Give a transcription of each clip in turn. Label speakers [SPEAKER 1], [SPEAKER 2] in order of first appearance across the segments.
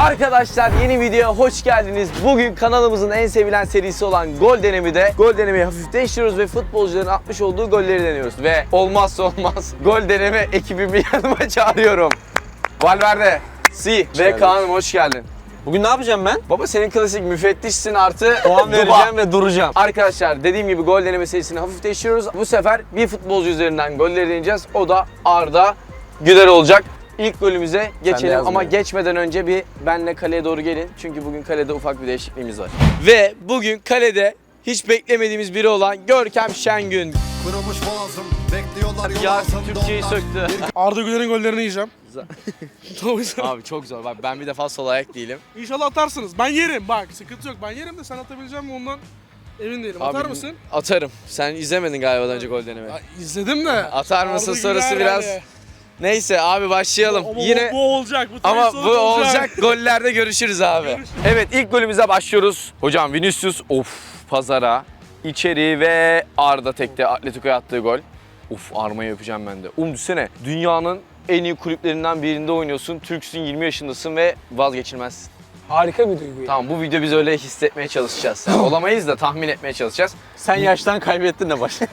[SPEAKER 1] Arkadaşlar yeni videoya hoş geldiniz. Bugün kanalımızın en sevilen serisi olan Gol Deneme'de gol denemeyi hafif değiştiriyoruz ve futbolcuların atmış olduğu golleri deniyoruz. Ve olmazsa olmaz Gol Deneme ekibimi yanıma çağırıyorum. Valverde, Si ve Kaan'ım hoş geldin.
[SPEAKER 2] Bugün ne yapacağım ben?
[SPEAKER 1] Baba senin klasik müfettişsin artı
[SPEAKER 2] Puan vereceğim ve duracağım.
[SPEAKER 1] Arkadaşlar dediğim gibi gol deneme serisini hafif değiştiriyoruz. Bu sefer bir futbolcu üzerinden golleri deneyeceğiz. O da Arda Güler olacak. İlk golümüze geçelim ama geçmeden önce bir benle kaleye doğru gelin. Çünkü bugün kalede ufak bir değişikliğimiz var. Ve bugün kalede hiç beklemediğimiz biri olan Görkem Şengün.
[SPEAKER 3] Kırılmış boğazım, bekliyorlar yol
[SPEAKER 1] Yasin
[SPEAKER 3] altında
[SPEAKER 1] Türkçeyi
[SPEAKER 3] onlar.
[SPEAKER 1] söktü.
[SPEAKER 4] Arda Güler'in gollerini yiyeceğim.
[SPEAKER 1] Abi çok zor. Bak ben bir defa sol ayak değilim.
[SPEAKER 4] İnşallah atarsınız. Ben yerim bak. Sıkıntı yok. Ben yerim de sen atabileceğim mi ondan emin değilim. Atar
[SPEAKER 1] Abi,
[SPEAKER 4] mısın?
[SPEAKER 1] Atarım. Sen izlemedin galiba daha önce gol deneme.
[SPEAKER 4] İzledim de.
[SPEAKER 1] Atar mısın
[SPEAKER 4] Arda
[SPEAKER 1] sorusu
[SPEAKER 4] Güler
[SPEAKER 1] biraz.
[SPEAKER 4] yani.
[SPEAKER 1] Neyse abi başlayalım.
[SPEAKER 4] Ama
[SPEAKER 1] Yine
[SPEAKER 4] bu olacak. Bu
[SPEAKER 1] ama
[SPEAKER 4] sonuç
[SPEAKER 1] bu olacak. Gollerde görüşürüz abi.
[SPEAKER 4] Görüşürüz.
[SPEAKER 1] Evet ilk golümüze başlıyoruz. Hocam Vinicius pazara içeri ve Arda tekte Atletico'ya attığı gol. Armayı öpeceğim ben de. Düşünsene dünyanın en iyi kulüplerinden birinde oynuyorsun. Türksün, 20 yaşındasın ve vazgeçilmezsin.
[SPEAKER 5] Harika bir duygu.
[SPEAKER 1] Tamam bu video biz öyle hissetmeye çalışacağız. Yani olamayız da tahmin etmeye çalışacağız.
[SPEAKER 2] Sen yaştan kaybettin de başla.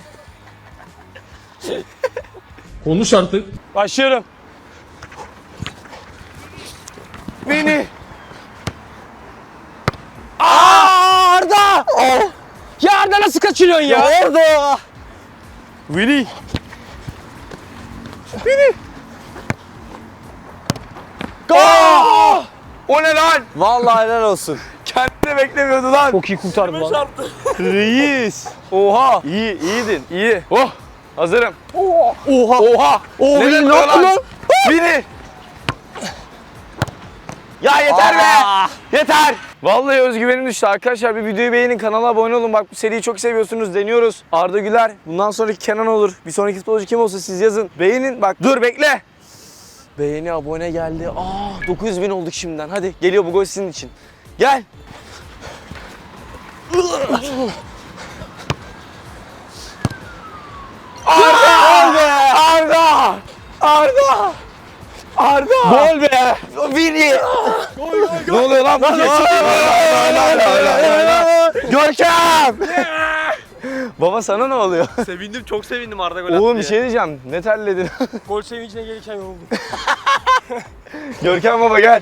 [SPEAKER 5] Konuş artık.
[SPEAKER 2] Başlıyorum.
[SPEAKER 1] Beni.
[SPEAKER 2] Arda!
[SPEAKER 5] Ya Arda nasıl kaçırıyorsun ya?
[SPEAKER 2] Orada!
[SPEAKER 1] Vini. Gol! O ne lan?
[SPEAKER 2] Vallahi helal olsun.
[SPEAKER 1] Kendini beklemiyordu lan.
[SPEAKER 5] Çok iyi kurtardı lan.
[SPEAKER 1] Reis. Oha. İyi, iyiydin. İyi. Oh. Hazırım.
[SPEAKER 2] Oha!
[SPEAKER 1] Oha.
[SPEAKER 2] Oha!
[SPEAKER 1] Ne
[SPEAKER 2] Ne yaptın lan?
[SPEAKER 1] Biri. Ya yeter be. Yeter. Vallahi özgüvenim düştü arkadaşlar. Bir videoyu beğenin, kanala abone olun. Bak bu seriyi çok seviyorsunuz. Deniyoruz. Arda Güler. Bundan sonraki Kenan olur. Bir sonraki futbolcu kim olsa siz yazın. Beğenin. Bak dur bekle. Beğeni, abone geldi. 900.000 olduk şimdiden. Hadi geliyor bu gol sizin için. Gel. Arda! Arda! Arda!
[SPEAKER 2] Gol be!
[SPEAKER 1] Vini! Ne oluyor lan bu Görkem! Baba sana ne oluyor?
[SPEAKER 2] Sevindim, çok sevindim Arda gol
[SPEAKER 1] Oğlum bir şey diyeceğim. Ne terledin?
[SPEAKER 5] Gol sevincine gelirken yoruldum.
[SPEAKER 1] Görkem baba gel.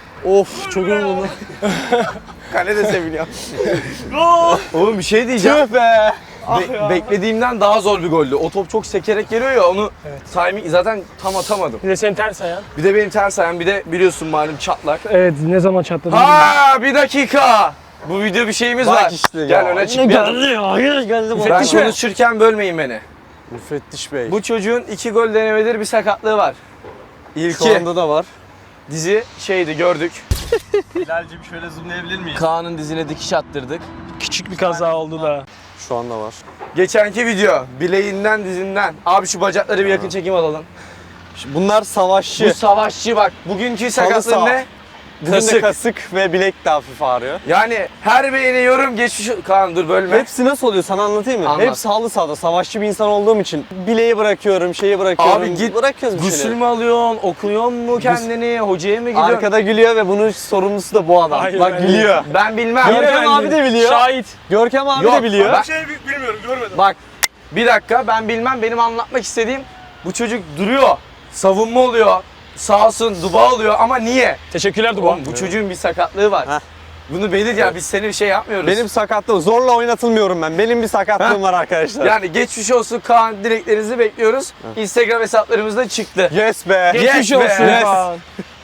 [SPEAKER 2] Of, çok yoruldum.
[SPEAKER 1] Kale de seviniyor. Oğlum bir şey diyeceğim.
[SPEAKER 2] Tüh be!
[SPEAKER 1] Beklediğimden daha zor bir goldü. O top çok sekerek geliyor ya onu timing zaten tam atamadım.
[SPEAKER 5] Bir de senin ters ayağın.
[SPEAKER 1] Bir de benim ters ayağım bir de biliyorsun malum çatlak.
[SPEAKER 5] Evet ne zaman çatladın?
[SPEAKER 1] Bir dakika. Bu video bir şeyimiz
[SPEAKER 2] Bak
[SPEAKER 1] var.
[SPEAKER 2] işte ya.
[SPEAKER 1] Gel öne çık.
[SPEAKER 5] ya? Hayır geldi bu.
[SPEAKER 1] Ben konuşurken bölmeyin beni.
[SPEAKER 2] Müfettiş Bey.
[SPEAKER 1] Bu çocuğun 2 gol denemeleri bir sakatlığı var.
[SPEAKER 2] Şu
[SPEAKER 1] İlki
[SPEAKER 2] anda da var.
[SPEAKER 1] dizi gördük.
[SPEAKER 2] Hilal'cim şöyle zoomlayabilir miyiz?
[SPEAKER 1] Kaan'ın dizine dikiş attırdık.
[SPEAKER 5] Küçük bir kaza oldu da.
[SPEAKER 2] Şu anda var.
[SPEAKER 1] Geçenki video bileğinden dizinden. Abi şu bacakları bir yakın çekim alalım.
[SPEAKER 2] Bunlar savaşçı.
[SPEAKER 1] Bu savaşçı bak. Bugünkü sakatlığı
[SPEAKER 2] sağ.
[SPEAKER 1] ne?
[SPEAKER 2] Bugün de
[SPEAKER 1] Kasık.
[SPEAKER 2] kasık ve bilek de hafif ağrıyor.
[SPEAKER 1] Yani her beğeni yorum geçmiş... Kaan dur bölme.
[SPEAKER 2] Hepsi nasıl oluyor sana anlatayım mı?
[SPEAKER 1] Anlat.
[SPEAKER 2] Hepsi halı sahada. Savaşçı bir insan olduğum için bileği bırakıyorum, şeyi bırakıyorum.
[SPEAKER 1] Abi git
[SPEAKER 2] bırakıyoruz bir
[SPEAKER 1] gusül
[SPEAKER 2] şeyleri.
[SPEAKER 1] mü alıyorsun, okuyor mu kendini, hocaya mı gidiyorsun?
[SPEAKER 2] Arkada gülüyor ve bunun sorumlusu da bu adam.
[SPEAKER 5] Hayır,
[SPEAKER 2] Bak
[SPEAKER 5] hayır.
[SPEAKER 2] gülüyor.
[SPEAKER 1] Ben bilmem.
[SPEAKER 2] Görkem abi de biliyor.
[SPEAKER 5] Şahit.
[SPEAKER 2] Görkem abi
[SPEAKER 1] Yok,
[SPEAKER 2] de biliyor.
[SPEAKER 1] bak-
[SPEAKER 4] Bilmiyorum görmedim.
[SPEAKER 1] Bak bir dakika ben bilmem, benim anlatmak istediğim bu çocuk duruyor, savunma oluyor, sağ olsun duba oluyor ama niye?
[SPEAKER 5] Teşekkürler Duba.
[SPEAKER 1] Oğlum, bu çocuğun bir sakatlığı var.
[SPEAKER 2] Heh.
[SPEAKER 1] Bunu belir ya, biz seni bir şey yapmıyoruz.
[SPEAKER 2] Benim sakatlığım, zorla oynatılmıyorum ben. Benim bir sakatlığım var arkadaşlar.
[SPEAKER 1] Yani geçmiş olsun Kaan, dileklerinizi bekliyoruz. Instagram hesaplarımızda çıktı.
[SPEAKER 2] Yes be.
[SPEAKER 1] Geçmiş
[SPEAKER 5] Geçmiş olsun.
[SPEAKER 1] be.
[SPEAKER 5] Kaan.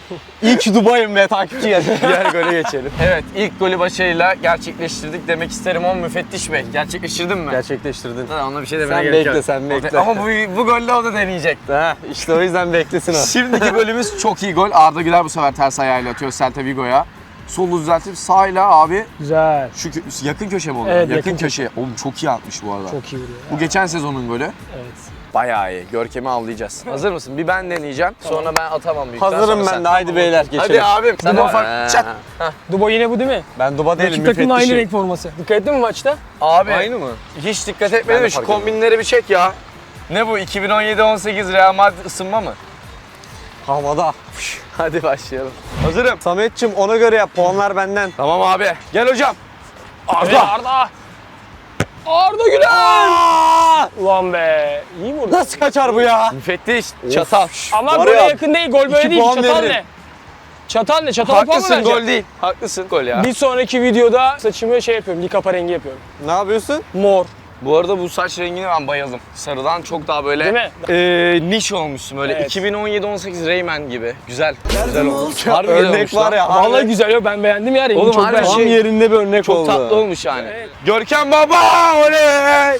[SPEAKER 2] İlk Dubai'm be takipçi geldi.
[SPEAKER 1] Diğer gole geçelim. Evet, ilk golü başarıyla gerçekleştirdik demek isterim ama müfettiş bey. Gerçekleştirdin mi?
[SPEAKER 2] Gerçekleştirdin.
[SPEAKER 1] Ona bir şey demene
[SPEAKER 2] Sen
[SPEAKER 1] gerek yok.
[SPEAKER 2] bekle, sen bekle.
[SPEAKER 1] Ama bu golle o da deneyecek.
[SPEAKER 2] Ha, işte o yüzden beklesin o.
[SPEAKER 1] Şimdiki golümüz çok iyi gol. Arda Güler bu sefer ters ayağıyla atıyor Celta Vigo'ya. Solu düzeltip sağıyla abi
[SPEAKER 5] Güzel.
[SPEAKER 1] şu yakın köşe mi oluyor?
[SPEAKER 5] Evet,
[SPEAKER 1] yakın
[SPEAKER 5] yakın
[SPEAKER 1] köşe. Oğlum çok iyi atmış bu arada.
[SPEAKER 5] Çok iyi vuruyor.
[SPEAKER 1] Bu geçen sezonun golü.
[SPEAKER 5] Evet.
[SPEAKER 1] Bayağı iyi. Görkem'i avlayacağız. Hazır mısın? Bir ben deneyeceğim. Sonra ben atamam büyük ihtimalle,
[SPEAKER 2] Hazırım
[SPEAKER 1] sonra
[SPEAKER 2] ben
[SPEAKER 1] sen.
[SPEAKER 2] de. Haydi beyler geçelim.
[SPEAKER 1] Hadi abim. Sen
[SPEAKER 5] Duba-
[SPEAKER 1] ufak çat.
[SPEAKER 5] Duba yine bu değil mi?
[SPEAKER 2] Ben Duba değilim,
[SPEAKER 5] Rakip takımın aynı
[SPEAKER 2] müfettişim.
[SPEAKER 5] renk forması. Dikkat ettin mi maçta?
[SPEAKER 1] Abi.
[SPEAKER 2] Aynı mı?
[SPEAKER 1] Hiç dikkat etmedim.
[SPEAKER 2] Ben de
[SPEAKER 1] Şu
[SPEAKER 2] fark ettim.
[SPEAKER 1] kombinleri bir çek ya. Ne bu? 2017-18 Real Madrid ısınma mı?
[SPEAKER 2] Havada.
[SPEAKER 1] Hadi başlayalım. Hazırım.
[SPEAKER 2] Sametçim ona göre yap. Puanlar benden.
[SPEAKER 1] Tamam abi. Gel hocam.
[SPEAKER 5] Evet, Arda. Arda Güler. Ulan be. İyi vurdu.
[SPEAKER 2] Nasıl kaçar bu ya?
[SPEAKER 1] Müfettiş. Çatal.
[SPEAKER 5] Ama
[SPEAKER 2] Var
[SPEAKER 5] gole
[SPEAKER 2] ya,
[SPEAKER 5] yakın değil. Gol böyle
[SPEAKER 2] 2
[SPEAKER 5] değil.
[SPEAKER 2] puan
[SPEAKER 5] Çatal
[SPEAKER 2] veririm.
[SPEAKER 5] ne? Çatal ne? Çatala puan mı
[SPEAKER 1] Haklısın,
[SPEAKER 5] vereceksin?
[SPEAKER 1] gol değil. Haklısın, gol ya.
[SPEAKER 5] Bir sonraki videoda saçımı şey yapıyorum. Likapa rengi yapıyorum.
[SPEAKER 2] Ne yapıyorsun?
[SPEAKER 5] Mor.
[SPEAKER 1] Bu arada bu saç rengine ben bayıldım. Sarıdan çok daha böyle
[SPEAKER 5] Değil mi?
[SPEAKER 1] niş olmuşsun böyle.
[SPEAKER 5] Evet.
[SPEAKER 1] 2017-18 Rayman gibi. Güzel. Güzel olmuş. Harbi güzel
[SPEAKER 2] Örnek
[SPEAKER 1] olmuş
[SPEAKER 2] var
[SPEAKER 1] lan.
[SPEAKER 2] ya.
[SPEAKER 5] Vallahi güzel yok. Ben beğendim ya. Rengi
[SPEAKER 1] Oğlum
[SPEAKER 5] çok
[SPEAKER 1] harbi
[SPEAKER 5] beğendim.
[SPEAKER 2] Tam yerinde bir örnek
[SPEAKER 1] Çok
[SPEAKER 2] oldu.
[SPEAKER 1] tatlı olmuş yani.
[SPEAKER 5] Evet.
[SPEAKER 1] Görkem baba oley!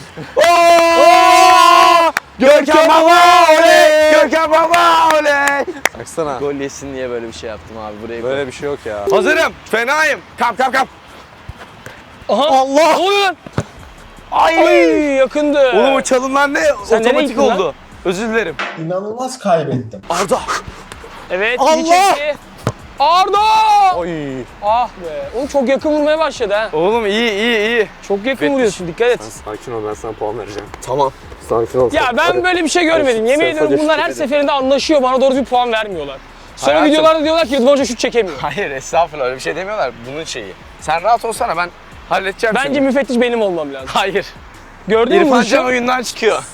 [SPEAKER 1] Oo! Görkem baba oley! Görkem baba oley!
[SPEAKER 2] Baksana.
[SPEAKER 1] Gol yesin diye böyle bir şey yaptım abi burayı.
[SPEAKER 2] Böyle bir şey yok ya.
[SPEAKER 1] Hazırım. Fenayım. Kap kap kap.
[SPEAKER 5] Aha.
[SPEAKER 2] Allah!
[SPEAKER 5] Ne oluyor lan? Ay yakındı.
[SPEAKER 1] Oğlum o çalımlar ne?
[SPEAKER 5] Sen nereye
[SPEAKER 1] Otomatik
[SPEAKER 5] gittin lan?
[SPEAKER 1] oldu. Özür dilerim.
[SPEAKER 6] İnanılmaz kaybettim.
[SPEAKER 1] Arda.
[SPEAKER 5] Evet.
[SPEAKER 2] Allah!
[SPEAKER 5] iyi çekti. Arda!
[SPEAKER 2] Oy.
[SPEAKER 5] Ah be. Oğlum çok yakın vurmaya başladı ha.
[SPEAKER 1] Oğlum iyi.
[SPEAKER 5] Çok yakın
[SPEAKER 1] Müfettiş.
[SPEAKER 5] vuruyorsun. Dikkat et.
[SPEAKER 2] Sakin ol, ben sana puan vereceğim.
[SPEAKER 1] Tamam.
[SPEAKER 2] Sakin ol.
[SPEAKER 5] Ya ben böyle bir şey görmedim. Yemin ediyorum bunlar her seferinde anlaşıyor. Bana doğru bir puan vermiyorlar. Sonra
[SPEAKER 1] Hayatım.
[SPEAKER 5] videolarda diyorlar ki Rıdvan Hoca şut çekemiyor.
[SPEAKER 1] Hayır estağfurullah öyle bir şey demiyorlar. Bunun şeyi. Sen rahat olsana ben halledeceğim
[SPEAKER 5] Bence
[SPEAKER 1] seni.
[SPEAKER 5] müfettiş benim olmam lazım.
[SPEAKER 1] Hayır.
[SPEAKER 5] Gördün mü
[SPEAKER 1] İrfan
[SPEAKER 5] vuruşu?
[SPEAKER 1] Can oyundan çıkıyor.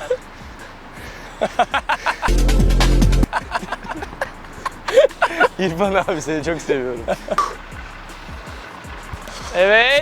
[SPEAKER 1] İrfan abi seni çok seviyorum.
[SPEAKER 5] Evet.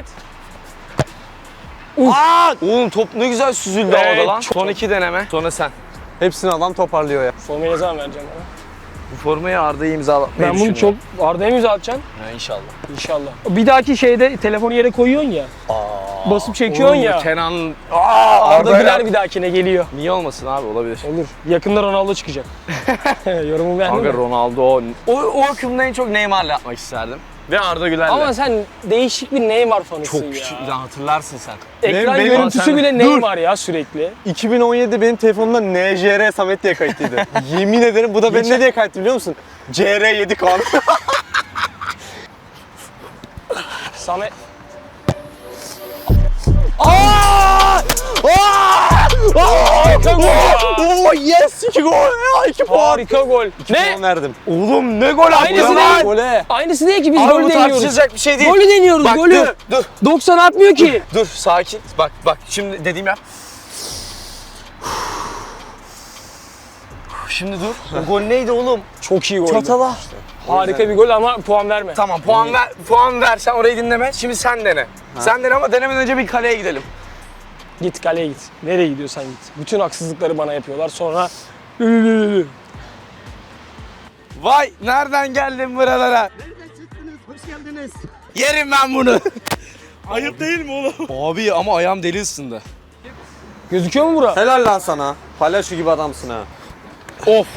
[SPEAKER 1] Oğlum top ne güzel süzüldü
[SPEAKER 5] Evet,
[SPEAKER 1] havada lan.
[SPEAKER 5] çok-
[SPEAKER 1] Son 2 deneme. Sonra sen.
[SPEAKER 2] Hepsini adam toparlıyor ya.
[SPEAKER 5] Formayı ne zaman vereceğim bana?
[SPEAKER 1] Bu formayı Arda'ya imzalatmayı
[SPEAKER 5] Ben bunu çok Arda'ya mı imza atacaksın?
[SPEAKER 1] Ha, inşallah.
[SPEAKER 5] İnşallah. Bir dahaki şeyde telefonu yere koyuyorsun ya. Basıp çekiyorsun ya.
[SPEAKER 1] Kenan.
[SPEAKER 5] Arda Güler bir dahakine geliyor.
[SPEAKER 1] Niye olmasın abi olabilir.
[SPEAKER 5] Olur. Yakında Ronaldo çıkacak. Yorumu beğendin
[SPEAKER 1] Kanka
[SPEAKER 5] mi?
[SPEAKER 1] Ronaldo. O akımda en çok Neymar'la yapmak isterdim. Ve Arda Güler'le.
[SPEAKER 5] Ama sen değişik bir Neymar fanısın
[SPEAKER 1] çok
[SPEAKER 5] ya.
[SPEAKER 1] küçük. Hatırlarsın sen.
[SPEAKER 5] Ekran
[SPEAKER 2] Benim-
[SPEAKER 5] görüntüsü
[SPEAKER 1] Sen-
[SPEAKER 5] bile
[SPEAKER 1] Dur.
[SPEAKER 5] Neymar ya sürekli.
[SPEAKER 2] 2017 benim telefonumda NJR Samet diye kayıtlıydı. Yemin ederim bu da ben ne diye kayıtlı biliyor musun? CR7 kan.
[SPEAKER 5] Samet... Harika gol ya.
[SPEAKER 2] Oo yes 2 gol ya 2 puan.
[SPEAKER 5] Harika gol. Ne?
[SPEAKER 2] Puan verdim.
[SPEAKER 1] Oğlum ne gol attı
[SPEAKER 5] Aynısı
[SPEAKER 1] lan.
[SPEAKER 5] değil.
[SPEAKER 2] Gole.
[SPEAKER 5] Aynısı değil ki biz
[SPEAKER 1] Abi
[SPEAKER 5] golü
[SPEAKER 1] bu
[SPEAKER 5] deniyoruz.
[SPEAKER 1] tartışılacak bir şey değil.
[SPEAKER 5] Golü deniyoruz
[SPEAKER 1] Bak
[SPEAKER 5] golü.
[SPEAKER 1] dur.
[SPEAKER 5] 90 atmıyor ki.
[SPEAKER 1] Dur sakin. Bak şimdi dediğim yap. Şimdi dur. O gol neydi oğlum?
[SPEAKER 5] Çok iyi gol.
[SPEAKER 1] Çatala.
[SPEAKER 5] Harika bir gol ama puan verme.
[SPEAKER 1] Tamam puan ver sen orayı dinleme. Şimdi sen dene. Sen dene ama denemeden önce bir kaleye gidelim.
[SPEAKER 5] Git kaleye git. Nereye gidiyorsan git. Bütün haksızlıkları bana yapıyorlar. Sonra
[SPEAKER 1] Vay nereden geldin buralara? Nereden çıktınız? Hoş geldiniz. Yerim ben bunu.
[SPEAKER 4] Ayıp değil mi oğlum?
[SPEAKER 1] Abi ama ayağım deli ısındı.
[SPEAKER 5] gözüküyor mu bura?
[SPEAKER 2] Helal lan sana. Palyaço gibi adamsın ha.
[SPEAKER 1] Of.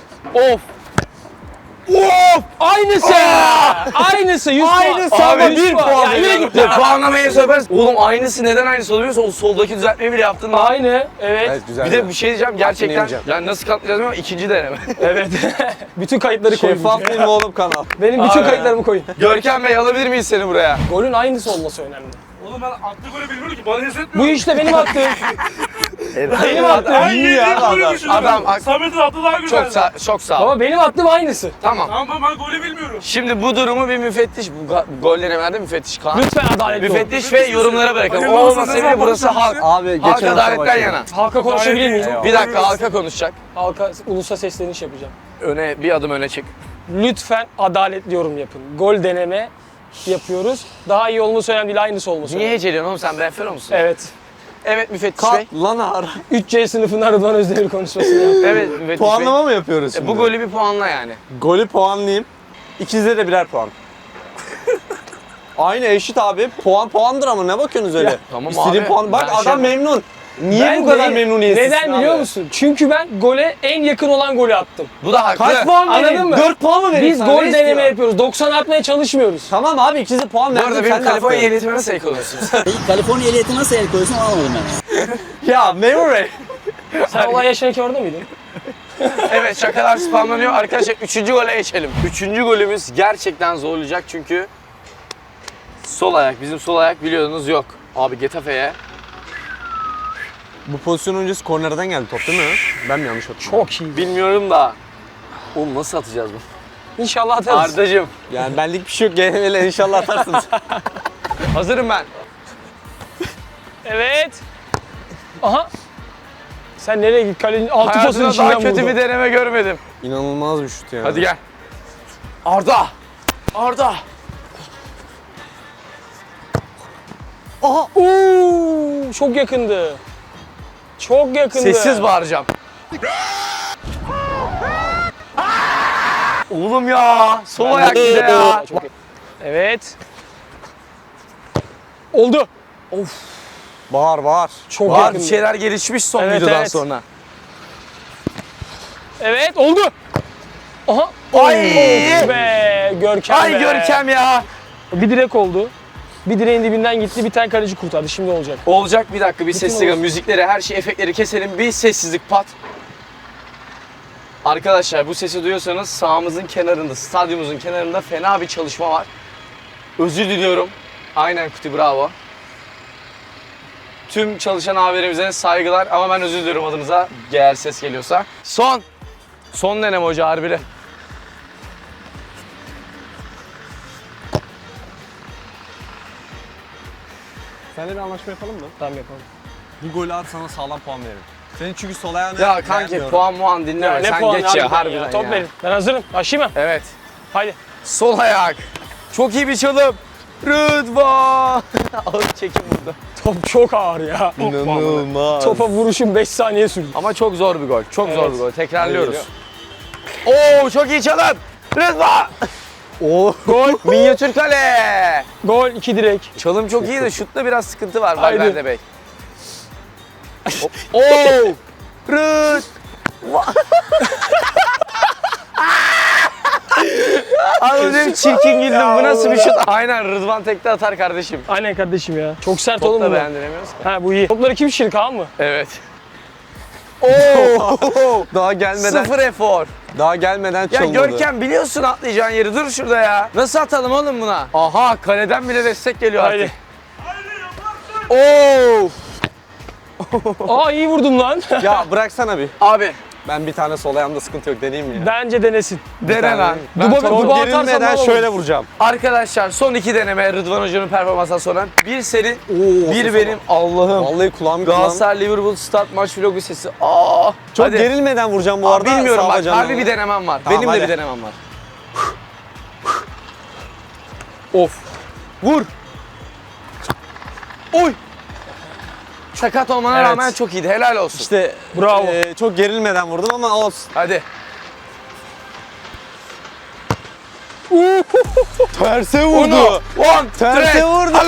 [SPEAKER 5] Aynısı. Aynısı 100 puan.
[SPEAKER 2] Aynısı
[SPEAKER 5] Abi,
[SPEAKER 2] ama
[SPEAKER 5] 100
[SPEAKER 2] bir puan
[SPEAKER 5] Ya yürü
[SPEAKER 2] veriyorum.
[SPEAKER 5] git ya.
[SPEAKER 1] Puanlamayı söyleriz. Oğlum aynısı neden aynısı oluyor? O soldaki düzeltmeyi bile yaptın lan.
[SPEAKER 5] Aynı. Evet.
[SPEAKER 2] Evet güzel.
[SPEAKER 1] Bir de bir şey diyeceğim gerçekten.
[SPEAKER 2] yemeyeceğim.
[SPEAKER 1] Yani nasıl katlayacağız ama ikinci deneme.
[SPEAKER 5] Evet. Bütün kayıtları koyun.
[SPEAKER 2] Şeffaf değil mi oğlum kanal?
[SPEAKER 5] Benim bütün
[SPEAKER 1] Abi.
[SPEAKER 5] kayıtlarımı koyun.
[SPEAKER 1] Görkem Bey alabilir miyiz seni buraya?
[SPEAKER 5] Golün aynısı olması önemli.
[SPEAKER 4] Oğlum ben attığı golü bilmiyorum ki. Bana hissetmiyor.
[SPEAKER 5] Bu işte benim attığım. Benim attığım.
[SPEAKER 4] Ben
[SPEAKER 2] iyi ya,
[SPEAKER 4] yediğim golü
[SPEAKER 2] adam.
[SPEAKER 4] düşünüyorum.
[SPEAKER 1] Adam-
[SPEAKER 4] Samet'in attığı daha güzeldi.
[SPEAKER 1] Çok sağ ol.
[SPEAKER 5] Ama benim attığım aynısı.
[SPEAKER 1] Tamam.
[SPEAKER 4] Tamam ben golü bilmiyorum.
[SPEAKER 1] Şimdi bu durumu bir müfettiş, bu golleri verdi müfettiş Kaan.
[SPEAKER 5] Lütfen adaletli ol.
[SPEAKER 1] Müfettiş ve yorumlara bırakalım.
[SPEAKER 4] Hayır,
[SPEAKER 1] O
[SPEAKER 4] olmasa
[SPEAKER 1] olmasa
[SPEAKER 4] ne
[SPEAKER 1] bile
[SPEAKER 4] zaman
[SPEAKER 1] burası halk.
[SPEAKER 4] konuşuyorsun?
[SPEAKER 2] Abi
[SPEAKER 1] Halk
[SPEAKER 2] geçen hafta
[SPEAKER 1] adaletten
[SPEAKER 2] başladı.
[SPEAKER 1] yana.
[SPEAKER 5] Halka konuşabilir miyim?
[SPEAKER 1] Bir dakika halka konuşacak.
[SPEAKER 5] Halka ulusa sesleniş yapacağım.
[SPEAKER 1] Bir adım öne çık.
[SPEAKER 5] Lütfen adaletli yorum yapın. Gol deneme yapıyoruz. Daha iyi olması önemli değil, aynısı olması
[SPEAKER 1] Niye
[SPEAKER 5] önemli.
[SPEAKER 1] heceliyorsun oğlum sen refero musun?
[SPEAKER 5] Evet.
[SPEAKER 1] Evet müfettiş bey.
[SPEAKER 2] Kalk lan ara.
[SPEAKER 5] 3C sınıfından Rıdvan Özdemir konuşmasını yaptım.
[SPEAKER 1] Evet müfettiş
[SPEAKER 2] Puanlama mı yapıyoruz
[SPEAKER 1] bey.
[SPEAKER 2] şimdi?
[SPEAKER 1] Bu golü bir puanla yani.
[SPEAKER 2] Golü puanlayayım. İkinize de birer puan. Aynı eşit abi. Puan puandır ama ne bakıyorsunuz öyle?
[SPEAKER 1] tamam
[SPEAKER 2] İstediğin
[SPEAKER 1] abi.
[SPEAKER 2] puan. Bak
[SPEAKER 1] Ben
[SPEAKER 2] adam
[SPEAKER 1] şey-
[SPEAKER 2] memnun. Niye
[SPEAKER 5] Ben
[SPEAKER 2] bu kadar
[SPEAKER 5] değil.
[SPEAKER 2] memnuniyetsizsin
[SPEAKER 5] Neden
[SPEAKER 2] abi?
[SPEAKER 5] biliyor musun? Çünkü ben gole en yakın olan golü attım.
[SPEAKER 1] Bu da haklı.
[SPEAKER 2] Kaç puan
[SPEAKER 5] Anladın
[SPEAKER 2] vereyim?
[SPEAKER 5] mı?
[SPEAKER 2] 4 puan mı vereyim
[SPEAKER 5] Biz
[SPEAKER 2] sana?
[SPEAKER 5] gol
[SPEAKER 2] Ne
[SPEAKER 5] deneme
[SPEAKER 2] istiyor?
[SPEAKER 5] yapıyoruz. 90 atmaya çalışmıyoruz.
[SPEAKER 2] Tamam abi ikinize puan
[SPEAKER 1] Bu
[SPEAKER 2] verdim.
[SPEAKER 1] arada
[SPEAKER 2] sen
[SPEAKER 1] benim
[SPEAKER 2] ne
[SPEAKER 1] Kaliforniya
[SPEAKER 2] yaptın?
[SPEAKER 1] ehliyetime nasıl el koyuyorsunuz?
[SPEAKER 6] Kaliforniya ehliyeti nasıl el koyuyorsun anlamadım ben.
[SPEAKER 2] Ya memur bey.
[SPEAKER 5] Sen olay yaşanırken orada mıydın?
[SPEAKER 1] Evet şakalar spamlanıyor. Arkadaşlar 3. gole geçelim. 3. golümüz gerçekten zorlayacak çünkü sol ayak. Bizim sol ayak biliyorsunuz yok. Abi Getafe'ye.
[SPEAKER 2] Bu pozisyon öncesi kornerden geldi top değil mi? Ben mi yanlış hatırlıyorum?
[SPEAKER 5] Çok iyi.
[SPEAKER 1] Bilmiyorum da. Oğlum nasıl atacağız bunu?
[SPEAKER 5] İnşallah atarız.
[SPEAKER 1] Ardacığım.
[SPEAKER 2] Yani benlik bir şey yok. GNM'le inşallah atarsınız.
[SPEAKER 1] Hazırım ben.
[SPEAKER 5] Evet. Aha. Sen nereye git? Kalenin altı pasın
[SPEAKER 1] Hayatımda
[SPEAKER 5] içinden
[SPEAKER 1] daha kötü
[SPEAKER 5] vurdu.
[SPEAKER 1] bir deneme görmedim.
[SPEAKER 2] İnanılmaz bir şut ya.
[SPEAKER 1] Hadi gel. Arda. Arda.
[SPEAKER 5] Aha. Oo, çok yakındı. Çok yakındı.
[SPEAKER 1] Sessiz bağıracağım. Oğlum ya. Sol ayak bir de ya.
[SPEAKER 5] Çok yakın. Evet. Oldu.
[SPEAKER 2] Bağır.
[SPEAKER 5] Çok
[SPEAKER 1] Var
[SPEAKER 5] yakındı.
[SPEAKER 1] bir şeyler gelişmiş son
[SPEAKER 5] Evet,
[SPEAKER 1] videodan
[SPEAKER 5] evet.
[SPEAKER 1] sonra.
[SPEAKER 5] Evet oldu. Aha.
[SPEAKER 1] Ay.
[SPEAKER 5] Of be. Görkem
[SPEAKER 1] Ay
[SPEAKER 5] be.
[SPEAKER 1] Görkem ya.
[SPEAKER 5] Bir direk oldu. Bir direğin dibinden gitti. Bir tane kaleci kurtardı. Şimdi olacak.
[SPEAKER 1] Olacak bir dakika bir
[SPEAKER 5] Bütün
[SPEAKER 1] sessizlik.
[SPEAKER 5] olsun.
[SPEAKER 1] Müzikleri her şey efektleri keselim. Bir sessizlik pat. Arkadaşlar bu sesi duyuyorsanız sahamızın kenarında, stadyumumuzun kenarında fena bir çalışma var. Özür diliyorum. Aynen Kuti bravo. Tüm çalışan abilerimize saygılar ama ben özür diliyorum adınıza eğer ses geliyorsa. Son deneme hoca harbili.
[SPEAKER 2] Seninle bir anlaşma yapalım mı?
[SPEAKER 5] Tamam yapalım.
[SPEAKER 2] Bu golü at sana sağlam puan veririm. Senin çünkü sol ayağını
[SPEAKER 1] Ya kanki
[SPEAKER 2] beğenmiyorum.
[SPEAKER 1] puan muan dinleme
[SPEAKER 5] Ne
[SPEAKER 1] sen
[SPEAKER 5] puan
[SPEAKER 1] geç
[SPEAKER 5] harbiden
[SPEAKER 1] ya harbiden
[SPEAKER 5] Top
[SPEAKER 1] ya.
[SPEAKER 5] verin. Ben hazırım. Başlayayım mı?
[SPEAKER 1] Evet.
[SPEAKER 5] Haydi.
[SPEAKER 1] Sol ayak. Çok iyi bir çalım. Rıdvan. Ağır çekim burada.
[SPEAKER 5] Top çok ağır ya.
[SPEAKER 2] İnanılmaz.
[SPEAKER 5] Topa vuruşum 5 saniye sürdü.
[SPEAKER 1] Ama çok zor bir gol. Çok zor
[SPEAKER 5] Evet.
[SPEAKER 1] bir gol. Tekrarlıyoruz.
[SPEAKER 2] Hadi
[SPEAKER 1] Oo çok iyi çalım. Rıdvan.
[SPEAKER 2] Oo.
[SPEAKER 1] Gol. Minyatür kale.
[SPEAKER 5] Gol 2 direk.
[SPEAKER 1] Çalım çok iyi de şutta biraz sıkıntı var
[SPEAKER 5] Haydi.
[SPEAKER 1] Valverde Bey. Oo. Rıd. Abi benim çirkin güldüm. Bu nasıl bir şut? Aynen Rıdvan tekte atar kardeşim.
[SPEAKER 5] Aynen kardeşim ya. Çok sert
[SPEAKER 1] Top
[SPEAKER 5] oğlum
[SPEAKER 1] da
[SPEAKER 5] bu.
[SPEAKER 1] beğendiremiyoruz ki.
[SPEAKER 5] Ha bu iyi. Topları kim şişirdi Kaan mı?
[SPEAKER 1] Evet.
[SPEAKER 2] Daha gelmeden
[SPEAKER 1] Sıfır efor.
[SPEAKER 2] daha gelmeden
[SPEAKER 1] Ya
[SPEAKER 2] çalındı.
[SPEAKER 1] Görkem biliyorsun atlayacağın yeri. Dur şurada ya. Nasıl atalım oğlum buna? Aha kaleden bile destek geliyor
[SPEAKER 5] Haydi.
[SPEAKER 1] artık. Oo.
[SPEAKER 5] Aa iyi vurdum lan.
[SPEAKER 2] Ya bıraksana bir.
[SPEAKER 1] Abi
[SPEAKER 2] Ben bir tane sol ayağımda sıkıntı yok deneyeyim mi ya?
[SPEAKER 5] Bence denesin.
[SPEAKER 1] dene lan.
[SPEAKER 5] Duba
[SPEAKER 2] Çok
[SPEAKER 5] atarsan
[SPEAKER 2] gerilmeden
[SPEAKER 5] ne olur?
[SPEAKER 2] şöyle vuracağım.
[SPEAKER 1] Arkadaşlar son 2 deneme Rıdvan Hoca'nın performansından sonra. Bir senin, bir benim. Allah'ım.
[SPEAKER 2] Vallahi kulağım.
[SPEAKER 1] Galatasaray Liverpool start maç vlogu sesi. Aa.
[SPEAKER 2] Çok
[SPEAKER 1] Hadi.
[SPEAKER 2] gerilmeden vuracağım bu
[SPEAKER 1] Aa,
[SPEAKER 2] arada.
[SPEAKER 1] bilmiyorum
[SPEAKER 2] sağ
[SPEAKER 1] bak
[SPEAKER 2] bacağımla.
[SPEAKER 1] harbi bir denemem var.
[SPEAKER 2] Tamam,
[SPEAKER 1] Benim de
[SPEAKER 2] hadi.
[SPEAKER 1] bir denemem var. Of. Vur. Oy. Sakat olmana
[SPEAKER 2] Evet.
[SPEAKER 1] rağmen çok iyiydi. Helal olsun.
[SPEAKER 2] İşte
[SPEAKER 5] Bravo.
[SPEAKER 2] çok gerilmeden vurdum ama olsun.
[SPEAKER 1] Hadi.
[SPEAKER 2] Terse
[SPEAKER 1] Uno, one,
[SPEAKER 2] Terse
[SPEAKER 1] three.
[SPEAKER 2] vurdu.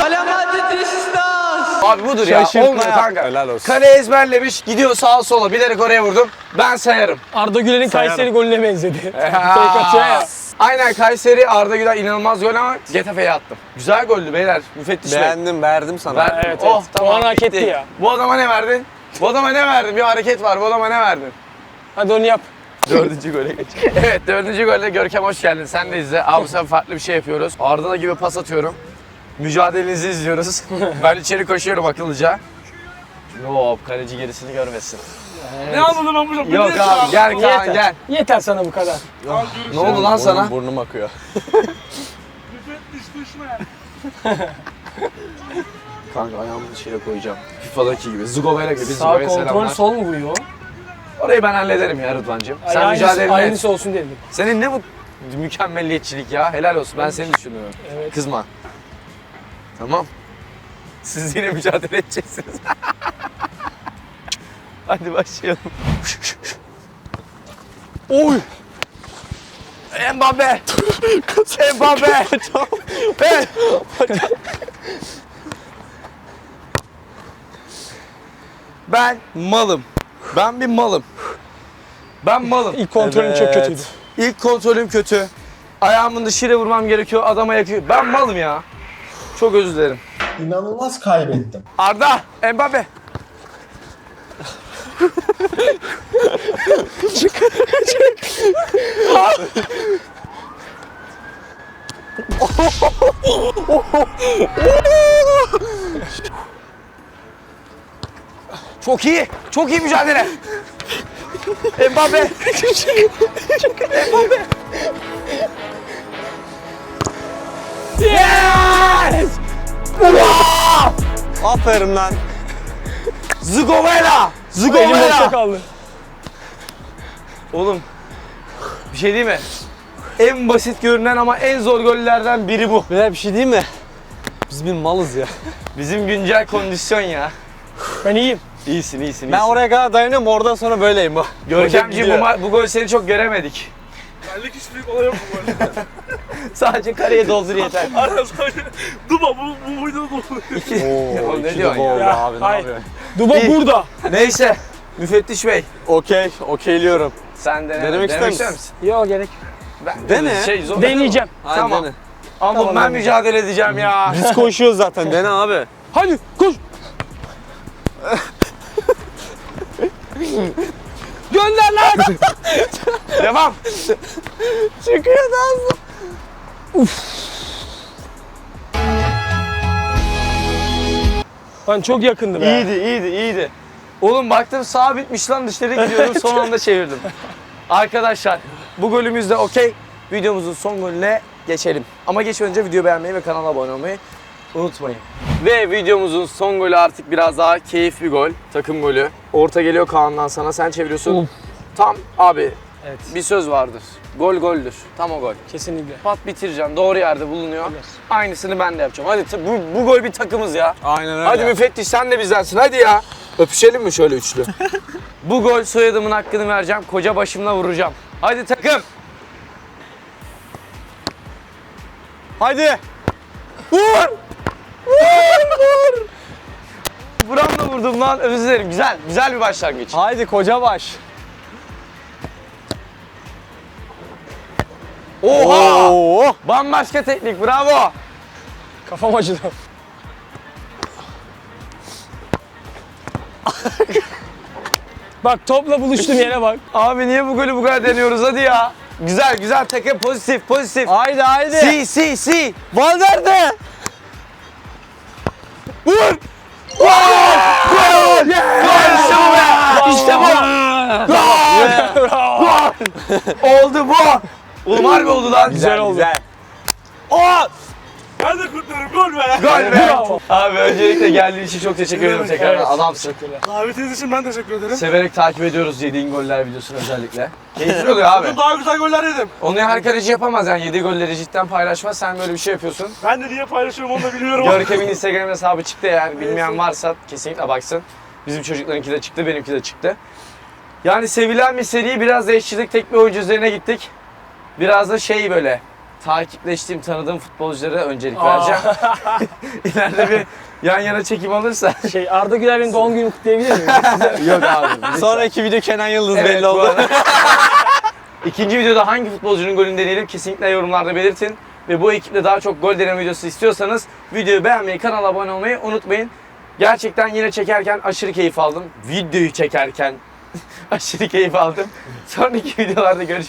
[SPEAKER 1] Abi budur ya.
[SPEAKER 2] Şaşırtma
[SPEAKER 1] Olmuyor
[SPEAKER 2] yap.
[SPEAKER 1] kanka.
[SPEAKER 2] Helal olsun.
[SPEAKER 1] Kale ezberlemiş. Gidiyor sağa sola. Bilerek oraya vurdum. Ben sayarım.
[SPEAKER 5] Arda Güler'in
[SPEAKER 2] Sayarım.
[SPEAKER 5] Kayseri golüne benzedi. Fake atıyor ya.
[SPEAKER 1] Aynen Kayseri Arda Güler inanılmaz gol ama Getafe'ye attım. Güzel goldü beyler. Müfettiş Bey.
[SPEAKER 2] Beğendim, verdim sana.
[SPEAKER 1] Verdim.
[SPEAKER 5] Evet,
[SPEAKER 1] Oh
[SPEAKER 5] evet.
[SPEAKER 1] tamam.
[SPEAKER 5] O an hak etti
[SPEAKER 1] bitti.
[SPEAKER 5] ya.
[SPEAKER 1] Bu adama ne verdin? Bu adama ne verdin? Bir hareket var. Bu adama ne verdin?
[SPEAKER 5] Hadi onu yap.
[SPEAKER 1] Dördüncü gole geç. Evet dördüncü golde Görkem hoş geldin. Sen de izle. Abi sen farklı bir şey yapıyoruz. Arda'da gibi pas atıyorum. Mücadelenizi izliyoruz. Ben içeri koşuyorum akıllıca. Yok kaleci gerisini görmesin.
[SPEAKER 4] Ne anladım ben burada?
[SPEAKER 1] Yok abi gel Kaan
[SPEAKER 5] Yeter.
[SPEAKER 1] gel.
[SPEAKER 5] Yeter sana bu kadar.
[SPEAKER 1] Ne oldu lan sana?
[SPEAKER 2] Burnum akıyor.
[SPEAKER 4] Müfettiş düşme.
[SPEAKER 1] Kanka ayağımı içeri koyacağım. FIFA'daki gibi. Zugova'yla gibi.
[SPEAKER 5] Sağ
[SPEAKER 1] Zugova'ya
[SPEAKER 5] kontrol
[SPEAKER 1] selamlar.
[SPEAKER 5] sol mu vuruyor?
[SPEAKER 1] Orayı ben hallederim ya Rıdvan'cığım. Sen
[SPEAKER 5] Aynısı,
[SPEAKER 1] mücadele et.
[SPEAKER 5] aynısı olsun dedim.
[SPEAKER 1] Senin ne bu mükemmelliyetçilik ya. Helal olsun. Ben seni düşünüyorum.
[SPEAKER 5] Evet.
[SPEAKER 1] Kızma. Tamam. Siz yine mücadele edeceksiniz. Hadi başlayalım. Oy! Mbappe! Mbappe! Evet. Ben malım. Ben bir malım. Ben malım.
[SPEAKER 5] İlk kontrolün çok kötüydü.
[SPEAKER 1] İlk kontrolüm kötü. Ayağımın dışıyla vurmam gerekiyor. Adama yakıyor. Ben malım ya. Çok özür dilerim.
[SPEAKER 7] İnanılmaz kaybettim.
[SPEAKER 1] Arda, Mbappe. Çok iyi. Çok iyi mücadele. Mbappe. Mbappe. Yes! Wow!
[SPEAKER 2] Aferin lan.
[SPEAKER 1] Zugovela!
[SPEAKER 5] Elim boşta
[SPEAKER 1] Zugovela!
[SPEAKER 5] kaldı.
[SPEAKER 1] Oğlum bir şey değil mi? En basit görünen ama en zor gollerden biri bu.
[SPEAKER 2] Böyle bir şey değil mi? Biz bir malız ya.
[SPEAKER 1] Bizim güncel kondisyon ya.
[SPEAKER 5] Ben iyiyim.
[SPEAKER 1] İyisin, iyisin.
[SPEAKER 2] Ben oraya kadar dayanıyorum, oradan sonra böyleyim bu.
[SPEAKER 1] Görkemciğim bu gol seni çok göremedik.
[SPEAKER 4] Benlik hiç büyük olay yok bu böyle.
[SPEAKER 1] Sadece kareye doldur yeter.
[SPEAKER 4] Aynen sadece. Duba bu videoda dolu.
[SPEAKER 1] Ya ne diyorsun ya?
[SPEAKER 5] Ya,
[SPEAKER 2] abi, ne
[SPEAKER 5] hayır.
[SPEAKER 2] yapıyorsun?
[SPEAKER 5] Duba
[SPEAKER 1] İyi.
[SPEAKER 5] burada.
[SPEAKER 1] Neyse. Müfettiş Bey.
[SPEAKER 2] Okeyliyorum.
[SPEAKER 1] Sen de
[SPEAKER 2] Denemek ister misin?
[SPEAKER 5] Yok gerek.
[SPEAKER 1] Ben,
[SPEAKER 2] Dene.
[SPEAKER 1] Şey, zor.
[SPEAKER 5] Deneyeceğim.
[SPEAKER 2] Hadi
[SPEAKER 1] Tamam.
[SPEAKER 2] dene.
[SPEAKER 1] Ama
[SPEAKER 5] Tamam,
[SPEAKER 1] ben
[SPEAKER 5] ben
[SPEAKER 1] mücadele edeceğim ya.
[SPEAKER 2] Biz koşuyoruz zaten, dene abi.
[SPEAKER 5] Hadi koş. Gönder lan.
[SPEAKER 1] Devam.
[SPEAKER 2] Çıkıyor da
[SPEAKER 5] Lan çok yakındı be.
[SPEAKER 1] İyiydi. Oğlum baktım sağ bitmiş lan dışarı gidiyorum son anda çevirdim. Arkadaşlar bu golümüz de okey. Videomuzun son golüne geçelim. Ama geçmeden önce videoyu beğenmeyi ve kanala abone olmayı unutmayın. Ve videomuzun son golü artık biraz daha keyifli bir gol. Takım golü. Orta geliyor Kaan'dan sana, sen çeviriyorsun.
[SPEAKER 5] Of.
[SPEAKER 1] Tam abi
[SPEAKER 5] Evet.
[SPEAKER 1] bir söz vardır. Gol goldür. Tam o gol.
[SPEAKER 5] Kesinlikle.
[SPEAKER 1] Pat bitireceksin. Doğru yerde bulunuyor. Aynısını ben de yapacağım. Hadi bu gol bir takımız ya.
[SPEAKER 2] Aynen öyle.
[SPEAKER 1] Hadi müfettiş sen de bizdensin. Hadi ya. Öpüşelim mi şöyle üçlü? Bu gol soyadımın hakkını vereceğim. Koca başımla vuracağım. Hadi takım.
[SPEAKER 2] Hadi.
[SPEAKER 1] Vur! Vur! Buramla vurdum lan. Özür dilerim. Güzel bir başlangıç.
[SPEAKER 2] Haydi koca baş.
[SPEAKER 1] Oha!
[SPEAKER 2] Oo.
[SPEAKER 1] Bambaşka teknik. Bravo.
[SPEAKER 5] Kafam acıdı. Bak topla buluştum yere bak.
[SPEAKER 1] Abi niye bu golü bu kadar deniyoruz? Hadi ya. Güzel takım. Pozitif.
[SPEAKER 2] Haydi.
[SPEAKER 1] Si.
[SPEAKER 2] Valverde.
[SPEAKER 1] Vur! Gol! İşte bu be! İşte bu! Gol! Oldu bu! Oğlum harbi oldu lan.
[SPEAKER 5] Güzel oldu.
[SPEAKER 1] Oh!
[SPEAKER 4] Ben de kutlarım gol be.
[SPEAKER 1] Gol be!
[SPEAKER 5] Bravo.
[SPEAKER 1] Abi öncelikle geldiğin için çok teşekkür ederim tekrar.
[SPEAKER 5] Evet.
[SPEAKER 1] Adamsın.
[SPEAKER 4] Davetiniz için ben teşekkür ederim.
[SPEAKER 1] Severek takip ediyoruz yediğin goller videosunu özellikle. Keyifli oluyor abi.
[SPEAKER 4] Bugün daha güzel goller yedim.
[SPEAKER 1] Onu her kaleci yapamaz yani yediği golleri cidden paylaşmaz. Sen böyle bir şey yapıyorsun.
[SPEAKER 4] Ben de niye paylaşıyorum onu da bilmiyorum.
[SPEAKER 1] Görkem'in Instagram hesabı çıktı eğer bilmeyen varsa kesinlikle baksın. Bizim çocuklarınki de çıktı, benimki de çıktı. Yani sevilen bir seri, biraz da eşçilik tek bir oyuncu üzerine gittik. Biraz da şey böyle takipleştiğim, tanıdığım futbolculara öncelik vereceğim. İleride bir yan yana çekim alırsa.
[SPEAKER 5] Arda Güler'in doğum günü kutlayabilir miyim?
[SPEAKER 1] Yok abi.
[SPEAKER 2] Sonraki video Kenan Yıldız
[SPEAKER 1] Evet,
[SPEAKER 2] belli
[SPEAKER 1] bu
[SPEAKER 2] oldu.
[SPEAKER 1] arada. İkinci videoda hangi futbolcunun golünü deneyelim kesinlikle yorumlarda belirtin. Ve bu ekiple daha çok gol deneme videosu istiyorsanız videoyu beğenmeyi, kanala abone olmayı unutmayın. Gerçekten yine çekerken aşırı keyif aldım. Videoyu çekerken aşırı keyif aldım. Sonraki videolarda görüşmek